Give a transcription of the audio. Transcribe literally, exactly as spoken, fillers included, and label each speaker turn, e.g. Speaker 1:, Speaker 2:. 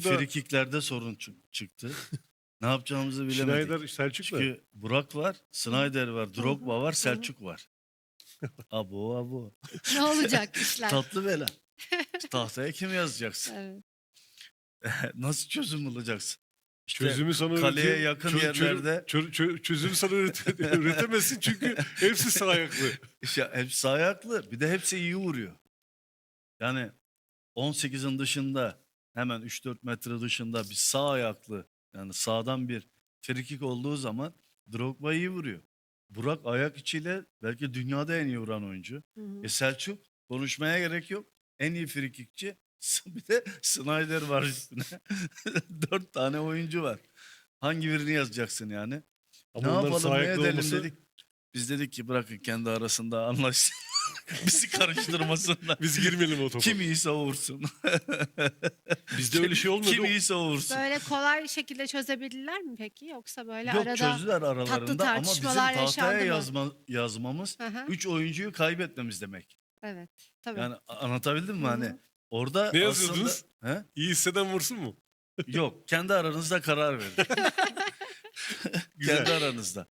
Speaker 1: Selçuk'la
Speaker 2: frikiklerde sorun çık- çıktı. Ne yapacağımızı bilemedik.
Speaker 1: Schneider Selçuk'la.
Speaker 2: Çünkü Burak var, Snyder var, Drogba var,
Speaker 3: hı.
Speaker 2: Selçuk var. Abo abo.
Speaker 3: Ne olacak işler?
Speaker 2: Tatlı bela. Tahtaya kim yazacaksın?
Speaker 3: Evet.
Speaker 2: Nasıl çözüm bulacaksın? İşte
Speaker 1: Çözümü sana
Speaker 2: kaleye
Speaker 1: ürete-
Speaker 2: yakın
Speaker 1: çö- çö-
Speaker 2: yerlerde
Speaker 1: çö- çö- çözümü sana ürete- üretemezsin çünkü hepsi sağ ayaklı.
Speaker 2: işte hepsi ayaklı. Bir de hepsi iyi vuruyor. Yani on sekizin dışında hemen üç dört metre dışında bir sağ ayaklı yani sağdan bir frikik olduğu zaman Drogba iyi vuruyor. Burak ayak içiyle belki dünyada en iyi vuran oyuncu.
Speaker 3: Hı hı.
Speaker 2: E Selçuk konuşmaya gerek yok. En iyi frikikçi. Bir de Snyder var üstüne. Dört tane oyuncu var. Hangi birini yazacaksın yani?
Speaker 1: Ama
Speaker 2: Ne
Speaker 1: onların
Speaker 2: yapalım
Speaker 1: sağ
Speaker 2: ne
Speaker 1: ayaklı
Speaker 2: edelim
Speaker 1: olması
Speaker 2: dedik. Biz dedik ki bırakın kendi arasında anlaşsın. Bizi karıştırmasınlar.
Speaker 1: biz girmeyelim o topa.
Speaker 2: Kim iyiyse o vursun.
Speaker 1: Bizde öyle şey olmadı.
Speaker 2: Kim iyiyse o vursun.
Speaker 3: Böyle kolay şekilde çözebilirler mi peki? Yoksa böyle
Speaker 2: Yok
Speaker 3: arada...
Speaker 2: çözdüler aralarında ama bizim
Speaker 3: tartışmalar
Speaker 2: tahtaya
Speaker 3: yaşandı mı?
Speaker 2: yazma, yazmamız
Speaker 3: Hı hı.
Speaker 2: üç oyuncuyu kaybetmemiz demek.
Speaker 3: Evet. Tabii.
Speaker 2: Yani a- anlatabildim mi
Speaker 3: Hı hı.
Speaker 2: hani? Orada
Speaker 1: Ne
Speaker 2: aslında-
Speaker 1: yazıyordunuz?
Speaker 2: He?
Speaker 1: İyi hisseden vursun mu?
Speaker 2: Yok kendi aranızda karar verin.
Speaker 1: Güzel.
Speaker 2: Kendi aranızda.